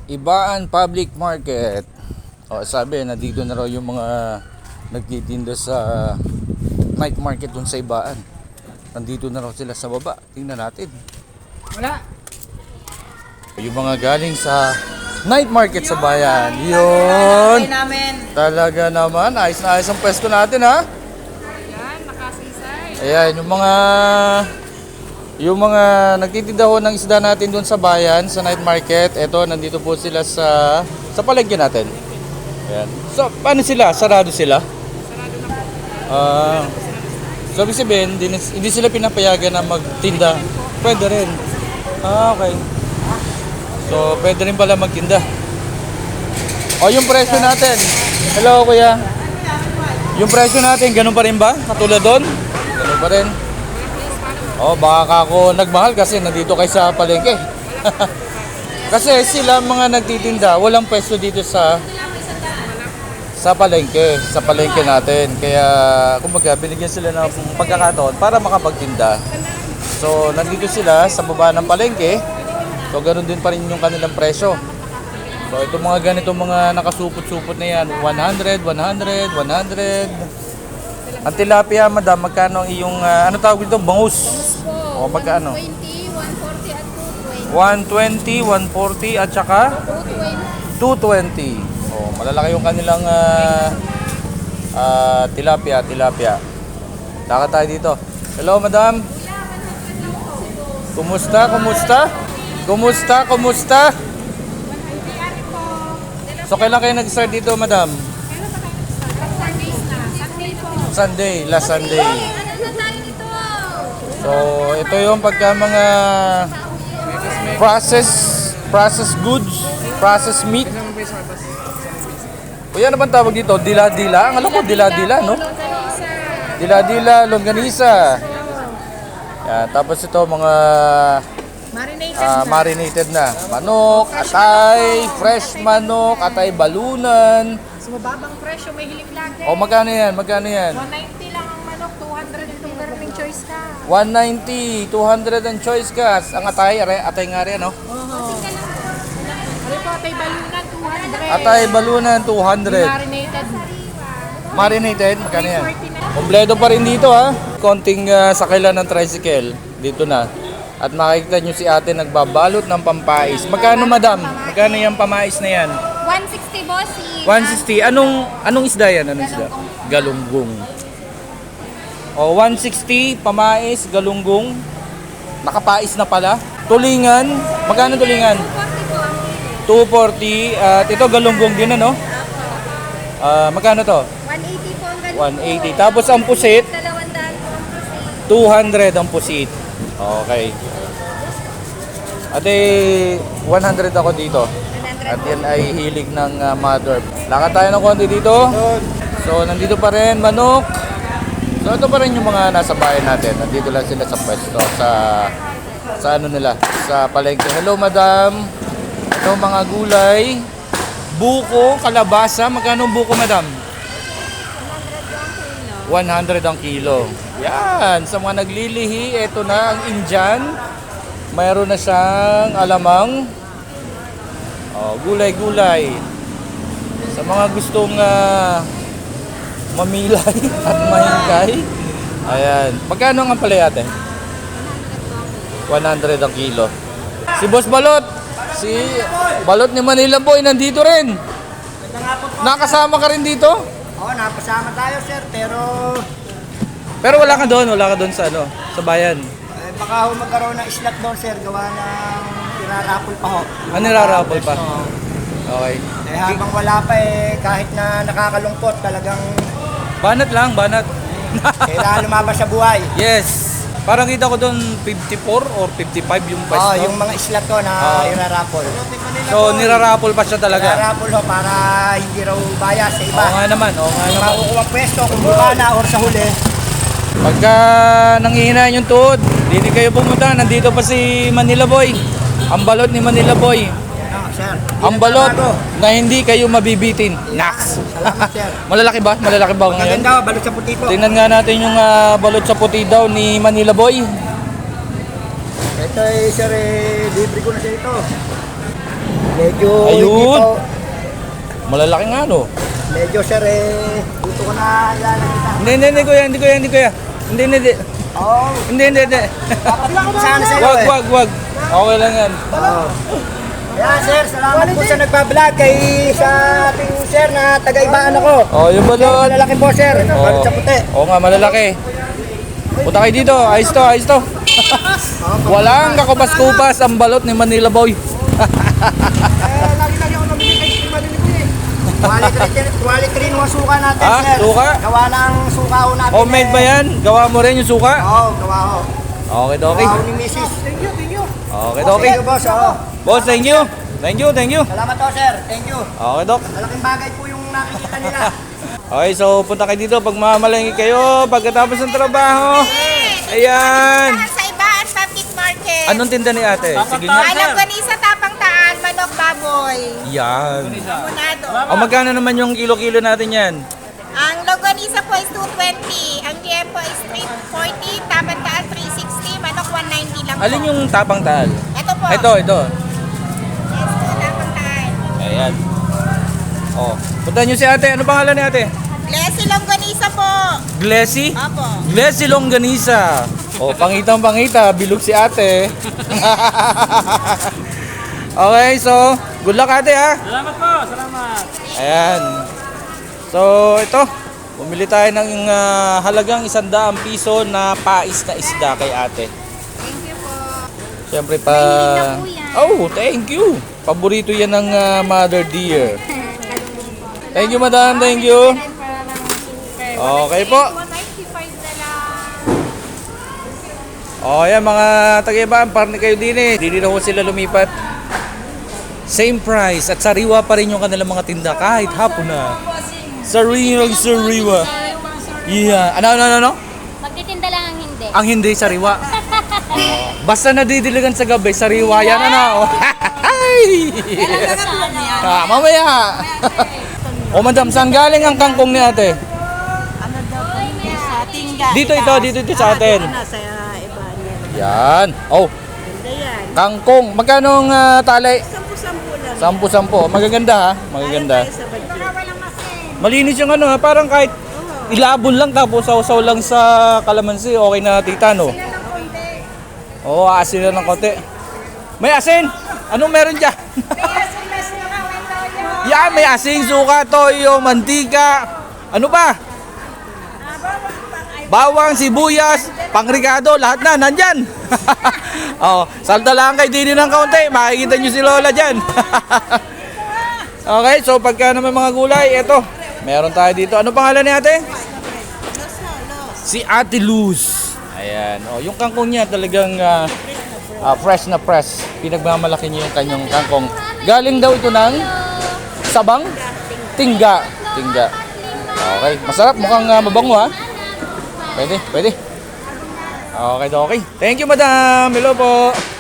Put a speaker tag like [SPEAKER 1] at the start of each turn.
[SPEAKER 1] Ibaan Public Market. O sabi, nandito na raw yung mga nagtitinda sa night market dun sa Ibaan. Nandito na raw sila sa baba. Tingnan natin.
[SPEAKER 2] Wala.
[SPEAKER 1] Yung mga galing sa night market sa bayan. Yun. Talaga naman. Ayos na ayos ang pwesto natin, ha?
[SPEAKER 2] Ayan, nakasisay.
[SPEAKER 1] Ayan, yung mga nagtitinda ho ng isda natin doon sa bayan, sa night market. Ito, nandito po sila sa palengke natin. Ayan. So, paano sila? Sarado sila?
[SPEAKER 2] Sarado na po.
[SPEAKER 1] So, ibig sabihin, hindi sila pinapayagan na magtinda. Pwede rin. Okay. So, pwede rin pala magtinda. O, yung presyo natin. Hello, kuya. Yung presyo natin, ganun pa rin ba? Katulad doon? Ganun pa rin. Oh, baka ako nagmahal kasi nandito kayo sa palengke. Kasi sila mga nagtitinda, walang pwesto dito sa palengke natin. Kaya kumbaga binigyan sila ng pagkakataon para makapagtinda. So, nandito sila sa baba ng palengke. So, ganoon din pa rin yung kanilang presyo. So, itong mga ganitong mga nakasupot-supot na yan, 100, 100, 100. Ang tilapia, madam, magkano ang iyong, ano tawag dito? Bangus. O, magkano?
[SPEAKER 3] 120, 140 at
[SPEAKER 1] 120, 140 at saka 220. Oh, malalaki yung kanilang tilapia. Lakad tayo dito. Hello, madam. Kumusta? So, kailan kayo nag-start dito, madam? Last Sunday. So, ito yung pagka mga processed goods, processed meat. O yan naman tawag dito, dila-dila. Ang alam ko, dila-dila, no? Dila-dila, longganisa. Yan, tapos ito mga marinated na. Manok, atay, fresh manok, atay balunan.
[SPEAKER 2] Mas mababang presyo, may hiling lagi.
[SPEAKER 1] O magkano yan?
[SPEAKER 2] 190 lang ang manok, 200 itong garning choice ka.
[SPEAKER 1] 190, 200 ang choice gas. Ang atay nga rin, no?
[SPEAKER 2] Ano po, atay balunan, 200.
[SPEAKER 1] Atay balunan, 200.
[SPEAKER 2] Marinated.
[SPEAKER 1] Marinated, magkano yan?
[SPEAKER 2] 340 na.
[SPEAKER 1] Kompleto pa rin dito, ha? Konting sakay lang ng tricycle. Dito na. At makikita nyo si ate nagbabalot ng pampais. Magkano, madam? Magkano yung pamais na yan?
[SPEAKER 3] 160 bossy.
[SPEAKER 1] 160. Anong isda yan? Anong isda? Galunggong. O, 160, pamais, galunggong. Nakapais na pala. Tulingan. Magkano tulingan? 240. At ito, galunggong din, ano? Magkano to?
[SPEAKER 3] 180 po ang ganito.
[SPEAKER 1] 180. Tapos ang pusit,
[SPEAKER 3] 200 po ang pusit.
[SPEAKER 1] 200 ang pusit. Okay. Ate, 100 ako dito.
[SPEAKER 3] 100
[SPEAKER 1] At yan ay hilig ng mother. Lakad tayo ng konti dito. So, nandito pa rin manok. So, ito pa rin yung mga nasa bahay natin. Nandito lang sila sa pwesto. Sa ano nila. Sa palengke. Hello, madam. Ito mga gulay. Buko, kalabasa. Magkano ang buko, madam? 100 ang kilo. Yan. Sa mga naglilihi, ito na ang Indian. Mayroon na siyang alamang. Gulay-gulay. Sa mga gustong mamilay at mahingkay. Ayan. Magkano ang palaya ate? 100 ang kilo. Si Boss Balot. Si Balot ni Manila Boy nandito rin. Nakasama ka rin dito?
[SPEAKER 4] Oo, napasama tayo sir,
[SPEAKER 1] Pero wala ka doon sa sa bayan.
[SPEAKER 4] baka ho magkaroon ng slot doon sir, gawa ng irarapol pa ho.
[SPEAKER 1] Nirarapol pa. Okay.
[SPEAKER 4] Habang wala pa kahit na nakakalungkot, talagang
[SPEAKER 1] Banat lang, banat.
[SPEAKER 4] kailangan lumabas sa buhay.
[SPEAKER 1] Yes. Parang kita ko doon 54 or 55 yung pwesto.
[SPEAKER 4] Yung mga slot ko na irarapol.
[SPEAKER 1] So nirarapol pa siya talaga.
[SPEAKER 4] Irarapol ho para hindi raw bias sa iba.
[SPEAKER 1] Oo nga naman.
[SPEAKER 4] Makukuha pwesto kung buka na or sa huli.
[SPEAKER 1] Pagka nangihinaan yung tuhod, hindi kayo pumunta. Nandito pa si Manila Boy. Ang balot ni Manila Boy.
[SPEAKER 4] Sir,
[SPEAKER 1] Ang balot na hindi kayo mabibitin. Nax!
[SPEAKER 4] Salamat sir.
[SPEAKER 1] Malalaki ba? Malalaki ba ngayon?
[SPEAKER 4] Maganda, balot sa puti po.
[SPEAKER 1] Tingnan nga natin yung balot sa puti daw ni Manila Boy.
[SPEAKER 4] Ito sir, libre ko na siya ito. Medyo
[SPEAKER 1] Ayun.
[SPEAKER 4] hindi po.
[SPEAKER 1] Malalaki nga, no?
[SPEAKER 4] Medyo sir dito ko na yan nakita.
[SPEAKER 1] Hindi, kuya. Hindi.
[SPEAKER 4] Oo.
[SPEAKER 1] Hindi.
[SPEAKER 4] Sana sa'yo
[SPEAKER 1] Wag. Okay lang yan.
[SPEAKER 4] Oo. Yan sir, salamat po sa nagpa-vlog kay sa ating sir na taga-ibaan ako.
[SPEAKER 1] Oh, yung balot.
[SPEAKER 4] Malalaki po sir, balot sa puti.
[SPEAKER 1] Oo nga, malalaki. Punta kayo dito. Ayos to. Walang kakubas-kubas ang balot ni Manila Boy.
[SPEAKER 4] Lagi-lagi ako namili kay Steve Manila Boy Quality rin yung suka natin
[SPEAKER 1] Ah,
[SPEAKER 4] sir.
[SPEAKER 1] suka?
[SPEAKER 4] Gawa ng suka ho natin.
[SPEAKER 1] Homemade ba yan? Gawa mo rin yung suka?
[SPEAKER 4] Oo, gawa ho.
[SPEAKER 1] Okay.
[SPEAKER 4] Gawa ho ni Mrs.
[SPEAKER 1] Okay.
[SPEAKER 4] Thank you boss, oo.
[SPEAKER 1] Boss, thank you.
[SPEAKER 4] Salamat po sir, thank you.
[SPEAKER 1] Okay, Dok.
[SPEAKER 4] Malaking bagay po yung nakikita nila.
[SPEAKER 1] Okay, so punta kayo dito pag mamalangi kayo pagkatapos ng trabaho. Ayan.
[SPEAKER 2] Sa Ibaan Public Market.
[SPEAKER 1] Anong tinda ni ate? Sige nga.
[SPEAKER 2] Alam ko ni sa Tapang Taan, manok baboy.
[SPEAKER 1] Yan.
[SPEAKER 2] Munado.
[SPEAKER 1] O magkano naman yung kilo-kilo natin yan?
[SPEAKER 2] Ang longganisa po is 220. Ang tiempo is 340. Tapang Taan 360. Manok 190 lang po.
[SPEAKER 1] Alin yung tapang taal?
[SPEAKER 2] Ito po.
[SPEAKER 1] Ito.
[SPEAKER 2] Yes po, Tapang Taan.
[SPEAKER 1] Ayan. O, punta nyo si ate. Ano pangalan ni ate?
[SPEAKER 2] Leslie Longganisa po.
[SPEAKER 1] Glessy?
[SPEAKER 2] Apo.
[SPEAKER 1] Glessy Longganisa. O, pangitang-pangita. Bilog si ate. Okay, so, good luck ate ha.
[SPEAKER 5] Salamat po, salamat.
[SPEAKER 1] Ayan. So, ito. Bumili tayo ng halagang 100 piso na pais na isda kay ate.
[SPEAKER 3] Thank you po.
[SPEAKER 1] Siyempre pa...
[SPEAKER 3] Mahilig na po yan.
[SPEAKER 1] Oh, thank you. Paborito yan ng mother dear. Thank you, madam. Thank you. Okay po.
[SPEAKER 2] 195 na lang.
[SPEAKER 1] O, yan mga taga-ibaan. Parang kayo din eh. Hindi na ho sila lumipat. Same price. At sariwa pa rin yung kanilang mga tinda kahit hapon na. Sariwa. Yeah. Ano?
[SPEAKER 3] Magtitinda lang ang hindi.
[SPEAKER 1] Ang hindi sariwa. Basta nadidiligan sa gabi, sariwa yan ano. Mamaya. O madam, saan galing ang kangkong ni ate?
[SPEAKER 2] Ano daw po sa tingga?
[SPEAKER 1] Dito sa atin.
[SPEAKER 2] Nasa Ibaan yan.
[SPEAKER 1] Yan. Oh,
[SPEAKER 2] Ganda yan.
[SPEAKER 1] kangkong. Magkano ang tali?
[SPEAKER 2] 10-10 lang.
[SPEAKER 1] 10. Magaganda ha. Magaganda.
[SPEAKER 2] Sa budget.
[SPEAKER 1] Malinis yung ano ha. Parang kahit ilabon lang tapos sausaw lang sa kalamansi. Okay na tita no? Oo, asin na ng konti. May asin! Anong meron dyan? Yan, may asin, suka, toyo, mantika. Ano pa? Bawang, sibuyas, pangrigado, lahat na, nandyan. Oh, salta lang kay Dini ng kaunti. Makikita nyo si Lola dyan. Okay, so pagka naman mga gulay, eto. Meron tayo dito. Ano pangalan ni ate? Si Ate Luz. Ayan. Oh, yung kangkong niya talagang fresh na fresh. Pinagmamalaki niya yung kanyang kangkong. Galing daw ito ng Sabang? Tingga. Okay. Masarap. Mukhang mabango ha. Pwede. Okay. Thank you madam. Hello po.